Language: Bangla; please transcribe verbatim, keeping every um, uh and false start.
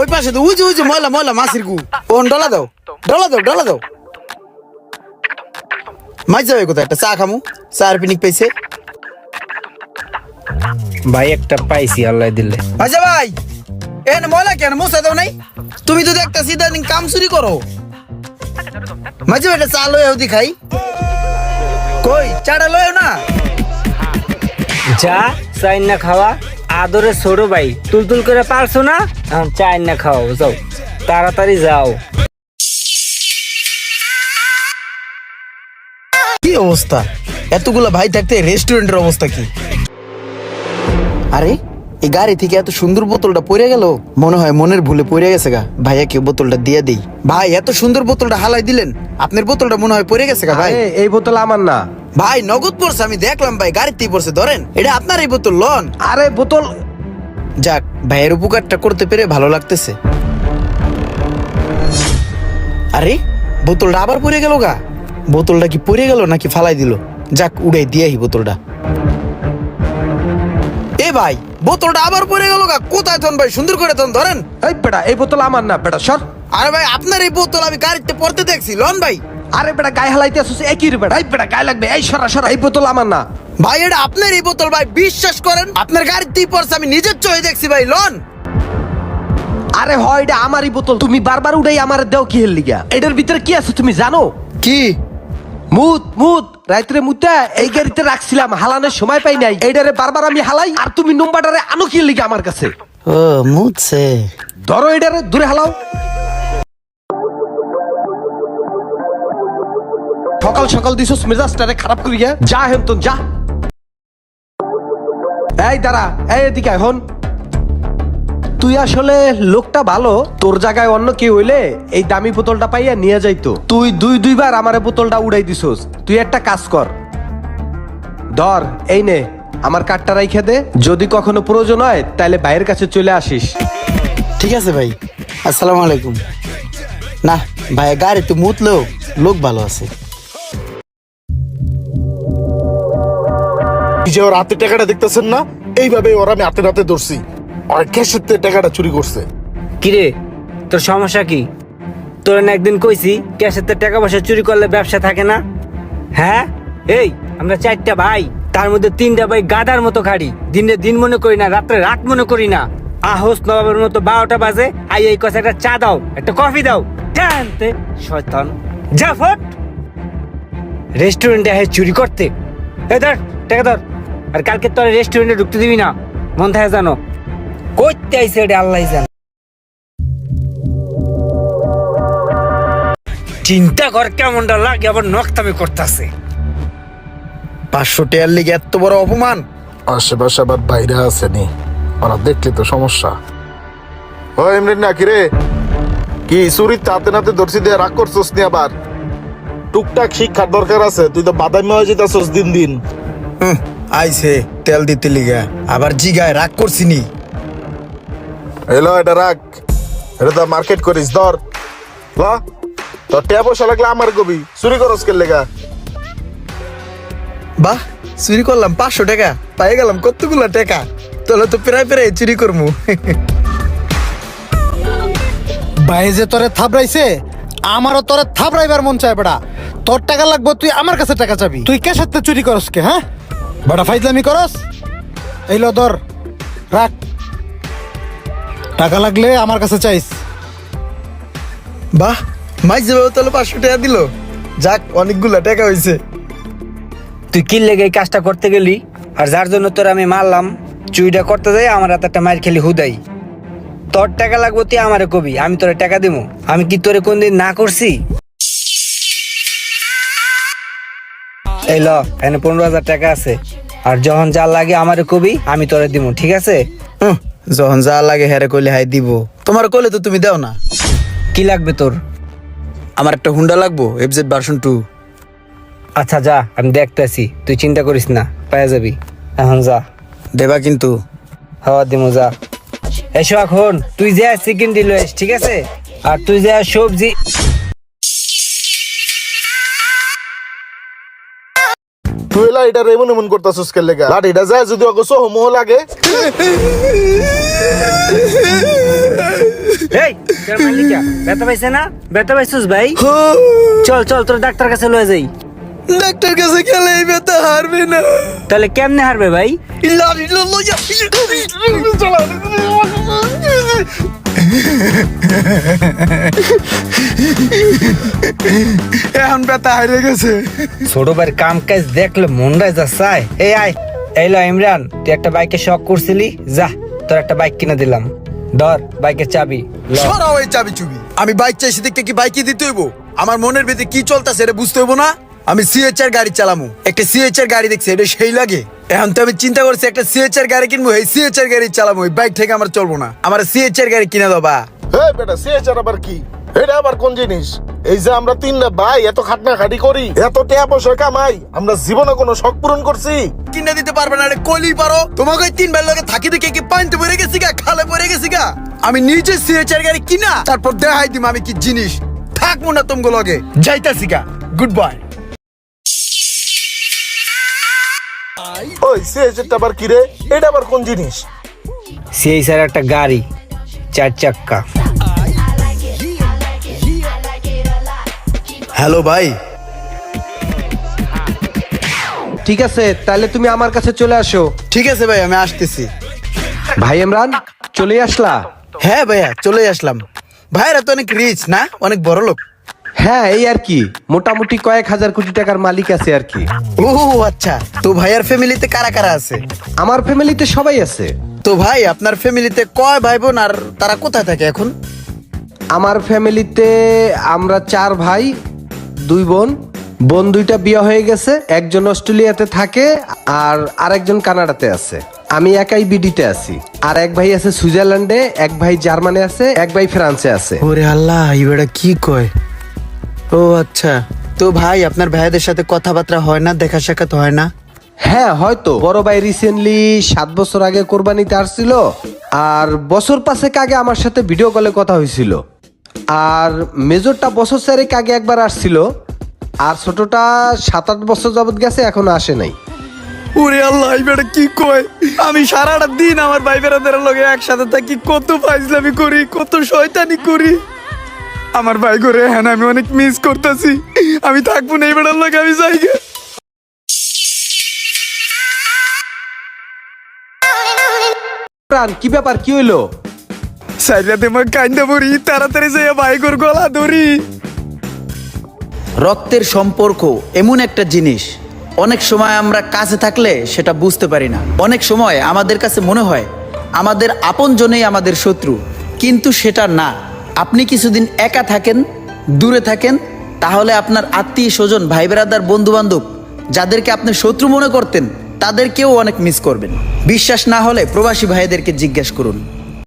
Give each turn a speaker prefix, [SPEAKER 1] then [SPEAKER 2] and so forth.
[SPEAKER 1] ওই পাশে তো উজু উজু ময়লা ময়লা মাছের গু ওন ডলা দাও ডলা দাও ডলা দাও মাছ যাবে কোথায় একটা চা খামু চার পিনিক পেয়েছে
[SPEAKER 2] ভাই একটা পাইছি আল্লাহ দিলে।
[SPEAKER 1] আচ্ছা ভাই এন ময়লা কেন মোছা দাও নাই তুমি তো একটা সিধা দিন কাম চুরি করো মাঝে একটা চা লয়ে হদি খাই কই চাটা লয়েও না
[SPEAKER 2] যা চাই না খাওয়া আদরে ছোট ভাই তুলতুল করে পারছো না এখন চাই না খাও যাও তাড়াতাড়ি যাও।
[SPEAKER 1] কি অবস্থা এতগুলা ভাই থাকতে রেস্টুরেন্টের অবস্থা কি আরে এই গাড়ি থেকে এত সুন্দর বোতলটা পড়ে গেল মনে হয় মনের ভুলে পড়ে গেছে গা ভাইয়াকে বোতলটা দিয়ে দেই ভাই এত সুন্দর বোতলটা হালাই দিলেন আপনার বোতলটা মনে হয় পড়ে গেছে গা ভাই
[SPEAKER 3] আরে এই বোতল আমার না
[SPEAKER 1] ভাই নগদ পড়ছে আমি দেখলাম ভাই গাড়িতেই পড়ছে ধরেন এটা আপনার এই বোতল লন
[SPEAKER 3] আরে বোতল
[SPEAKER 1] যাক ভাইয়ের উপকারটা করতে পেরে ভালো লাগতেছে আরে বোতলটা আবার পড়ে গেল গা বোতলটা কি পড়ে গেল নাকি ফালাই দিল যাক উড়াই দিয়ে বোতলটা এ ভাই বোতলটা আবার পড়ে গেল গা কোথায় তখন ভাই সুন্দর করে তখন ধরেন
[SPEAKER 3] এই বেটা এই বোতল আমার না বেটা সর
[SPEAKER 1] আরে ভাই আপনার এই বোতল আমি গাড়িতে পড়তে দেখছি লন ভাই
[SPEAKER 3] আরে বেটা গায়ে হালাইতে আসছিস একই রে বেটা এই বেটা গায়ে লাগবে এই সরা সরা এই বোতল আমার না
[SPEAKER 1] ভাই এটা আপনার এই বোতল ভাই বিশ্বাস করেন আপনার গাড়িতেই পড়ছে আমি নিজের চোখে দেখছি ভাই লন
[SPEAKER 3] আরে হয় এটা আমারই বোতল তুমি বারবার উড়াই আমার দেও কি হেল লিগা এটার ভিতরে কি আছে তুমি জানো
[SPEAKER 1] কি
[SPEAKER 3] মুত মুত রাত্রে মুতা এই গাড়িতে রাখছিলাম হালানোর সময় পাই নাই এইটারে বারবার আমি হালাই আর তুমি নম্বরটারে আনো কি লিগা আমার কাছে
[SPEAKER 1] ও মুছে
[SPEAKER 3] ধরো এটারে দূরে হালাও সকাল সকাল দিছস মেজাজটারে খারাপ করিয়া যা হেন তো যা এই দাঁড়া এই এদিকে এখন তুই আসলে লোকটা ভালো তোর জায়গায় অন্য কেউ হইলে এই দামি বোতলটা পাইয়া নিয়ে যাইতো তুই দুই দুইবার আমারে বোতলটা উড়াই দিছস তুই একটা কাজ কর ধর এই নে আমার কার্ডটা রাইখে দে যদি কখনো প্রয়োজন হয় তাহলে ভাইয়ের কাছে চলে আসিস
[SPEAKER 1] ঠিক আছে ভাই আসসালামু আলাইকুম না ভাই গাড়িতে মুতলেও লোক ভালো আছে
[SPEAKER 4] যে ওর হাতে টাকাটা দেখতেছেন না এইভাবে ওরা আমি হাতে হাতে ধরছি আর ক্যাশের থেকে টাকাটা চুরি করছে
[SPEAKER 2] কিরে তোর সমস্যা কি তোর না একদিন কইছি ক্যাশের টাকা পয়সা চুরি করলে ব্যবসা থাকে না হ্যাঁ এই আমরা চারটা ভাই তার মধ্যে তিনটা ভাই গাদার মতো খাড়ি দিনে দিন মনে করি না রাত্রে রাত মনে করি না আহস নবাবের মতো বারোটা বাজে আই এই কথা একটা চা দাও একটা কফি দাও জানতে শয়তান যা ফট রেস্টুরেন্টে আহে চুরি করতে এই ধর টাকা ধর আর কালকে তোর রেস্টুরেন্টে ঢুকতে দিবি না মন থাকে জানো কইতে আইছে এটা আল্লাহ জানে চিন্তা কর কেমনটা লাগে আবার নকতামি করতেছে
[SPEAKER 1] পাঁচশো টেয়ার লিগে এত বড় অপমান
[SPEAKER 4] আশেপাশে আবার বাইরে আসেনি ওরা দেখলে তো সমস্যা ও এমনি না কি রে কি চুরি হাতে নাতে ধরছি দিয়ে রাগ করছস নি আবার টুকটাক শিক্ষার দরকার আছে তুই তো বাদামি হয়ে যেতেছস দিন দিন
[SPEAKER 1] হুম, আইছে তেল দিতে লিগা আবার জিগায় রাগ করছিনি
[SPEAKER 4] এলো এটা রাখ এটা তো মার্কেট করিস ধর ল তোর টিয়া পয়সা লাগলে আমার কবি চুরি করস কে লেগা
[SPEAKER 1] বাহ চুরি করলাম পাঁচশো টাকা পাই গেলাম কতগুলা টাকা তাহলে তো প্রায় প্রায় চুরি করমু
[SPEAKER 5] ভাই যে তোরে থাবড়াইছে আমারও তোরে থাবড়াইবার মন চায় বেটা তোর টাকা লাগবে তুই আমার কাছে টাকা চাবি তুই কে সাথে চুরি করস কে হ্যাঁ বেটা ফাইজলামি করস এইলো ধর রাখ টাকা লাগলে আমার কাছে চাইস
[SPEAKER 1] বাহ মাইক যাবে তাহলে পাঁচশো টাকা দিল যাক অনেকগুলা টাকা হয়েছে
[SPEAKER 2] তুই কি লেগে এই কাজটা করতে গেলি আর যার জন্য তোর আমি মারলাম চুরিটা করতে যাই আমার হাতে একটা মার খেলি হুদাই তোর টাকা লাগবে তুই আমারে কবি আমি তোরে টাকা দিব আমি কি তোরে কোনদিন না করছি এই ল এখানে পনেরো হাজার টাকা আছে আর যখন যা লাগে আমারে কবি আমি তোরে দিব ঠিক আছে
[SPEAKER 1] হুঁ, যখন যা লাগে হেরে কইলে হাই দিব তোমার কইলে তো তুমি দাও না
[SPEAKER 2] কি লাগবে তোর
[SPEAKER 1] আমার একটা হুন্ডা লাগবো এফজেড ভার্সন টু
[SPEAKER 2] আচ্ছা যা আমি দেখতেছি তুই চিন্তা করিস না পাওয়া যাবি এখন যা
[SPEAKER 1] দেবা কিন্তু
[SPEAKER 2] হওয়া দিমু যা এসো এখন তুই যা চিকেন দিল ঠিক আছে আর তুই যা সবজি
[SPEAKER 4] তুই এলা এটা এমন এমন করতেছস কে লেগা লাঠিটা যায় যদি ওকে সোহ মোহ লাগে
[SPEAKER 2] এই তোর মালিকা ব্যথা পাইছে না? ব্যথা পাইছিস ভাই? চল চল তোর ডাক্তার কাছে লয়ে যাই।
[SPEAKER 1] ডাক্তার কাছে গেলে এই ব্যথা হারবে না।
[SPEAKER 2] তাহলে কেমনে হারবে ভাই?
[SPEAKER 1] লাড়ি লইয়া এখন ব্যথা হারিয়ে গেছে।
[SPEAKER 2] ছোট ভাইয়ের কাম কাজ দেখলে মনটাই যা চায়। এই আয়, এই ল ইমরান, তুই একটা বাইকে শখ করছিলি, যা তোর একটা বাইক কিনে দিলাম। ধর বাইকের চাবি। ল।
[SPEAKER 1] সরাও এই চাবি চুবি। আমি বাইক চাইছি দেখতে কি বাইকই দিতে হইব? আমার মনের ভিতরে কি চলতেছে এটা বুঝতে হইব না? আমি সিএচআর গাড়ি চালামু, একটা সিএচআর গাড়ি দেখছি এটা সেই লাগে। এখন তো আমি চিন্তা করছি একটা সিএচআর গাড়ি কিনবো, এই সিএচআর গাড়ি চালামু, এই বাইক থেকে আমার চলবো না। আমার সিএচআর গাড়ি কিনে দাও বা।
[SPEAKER 4] এই বেটা সিএচআর আবার কি? এটা আবার কোন জিনিস? এই যে আমরা তিনটা ভাই এত খাটনা খাটি করি, এত টাকা পয়সা কামাই, আমরা জীবনে কোনো শখ পূরণ করছি?
[SPEAKER 1] কিনে দিতে পারবে না, আরে কলি পারো। তোমাকে ওই তিন ভাইয়ের লগে থাকি দেখে কি পানিতে পড়ে গেছি গা, খালে পড়ে গেছি গা। আমি নিজে সিএচআর গাড়ি কিনা তারপর দেখাই দিম আমি কি জিনিস। থাকবো না তোমাকে লগে, যাইতাছি গা, গুড বাই।
[SPEAKER 4] ওই সিএচআরটা আবার কি রে? এটা আবার কোন জিনিস?
[SPEAKER 2] সেই স্যার একটা গাড়ি, চার চাক্কা।
[SPEAKER 1] হ্যালো ভাই।
[SPEAKER 3] ঠিক আছে, তাহলে তুমি আমার কাছে চলে আসো।
[SPEAKER 1] ঠিক আছে ভাই, আমি আসতেছি।
[SPEAKER 3] ভাই ইমরান, চলে আসলা?
[SPEAKER 1] হ্যাঁ ভাইয়া, চলে আসলাম। ভাইরা তো অনেক রিচ না, অনেক বড় লোক।
[SPEAKER 3] হ্যাঁ, এই আর কি, মোটামুটি কয়েক হাজার কোটি টাকার মালিক আছে আর কি।
[SPEAKER 1] ও আচ্ছা, তো ভাইয়ার ফ্যামিলিতে কারা কারা আছে?
[SPEAKER 3] আমার ফ্যামিলিতে সবাই আছে।
[SPEAKER 1] তো ভাই আপনার ফ্যামিলিতে কয় ভাই বোন আর তারা কোথায় থাকে এখন?
[SPEAKER 3] আমার ফ্যামিলিতে আমরা চার ভাই, দুই বোন। বোন দুইটা বিয়ে হয়ে গেছে, একজন অস্ট্রেলিয়াতে থাকে আর আরেকজন কানাডাতে আছে। আমি একাই বিডিতে আছি। আর এক ভাই আছে সুইজারল্যান্ডে, এক ভাই জার্মানে আছে, এক ভাই ফ্রান্সে আছে।
[SPEAKER 1] ওরে আল্লাহ, এবারে কি কয়? ও আচ্ছা, তো ভাই আপনার ভাইদের সাথে কথাবার্তা হয় না, দেখা সাক্ষাৎ হয় না?
[SPEAKER 3] হ্যাঁ হয়তো। বড় ভাই রিসেন্টলি সাত বছর আগে কোরবানিতে আসছিল, আর বছর পাঁচেক আগে আমার সাথে ভিডিও কলে কথা হয়েছিল। আর মেজরটা বছর চারেক আগে একবার আসছিল, আর ছোটটা সাত আট বছর যাবত গেছে, এখনো আসে নাই।
[SPEAKER 1] ওরে আল্লাহ, এবারে কি কয়? আমি সারাটা দিন আমার ভাই বেড়াদের লগে একসাথে থাকি, কত ফাইজলামি করি, কত শয়তানি করি। আমার ভাই করে হ্যাঁ আমি অনেক মিস করতেছি। আমি থাকবো না এই বেড়ার লগে, আমি যাই গে।
[SPEAKER 3] প্রাণ, কি ব্যাপার, কি হইলো?
[SPEAKER 1] সাইরাতে মা কান্দা পড়ি, তাড়াতাড়ি যাইয়া ভাই গোর গলা ধরি। রক্তের সম্পর্ক এমন একটা জিনিস, অনেক সময় আমরা কাছে থাকলে সেটা বুঝতে পারি না। অনেক সময় আমাদের কাছে মনে হয় আমাদের আপনজনেই আমাদের শত্রু, কিন্তু সেটা না। আপনি কিছুদিন একা থাকেন, দূরে থাকেন, তাহলে আপনার আত্মীয় স্বজন, ভাই বেড়াদার, বন্ধু বান্ধব যাদেরকে আপনি শত্রু মনে করতেন তাদেরকেও অনেক মিস করবেন। বিশ্বাস না হলে প্রবাসী ভাইদেরকে জিজ্ঞেস করুন।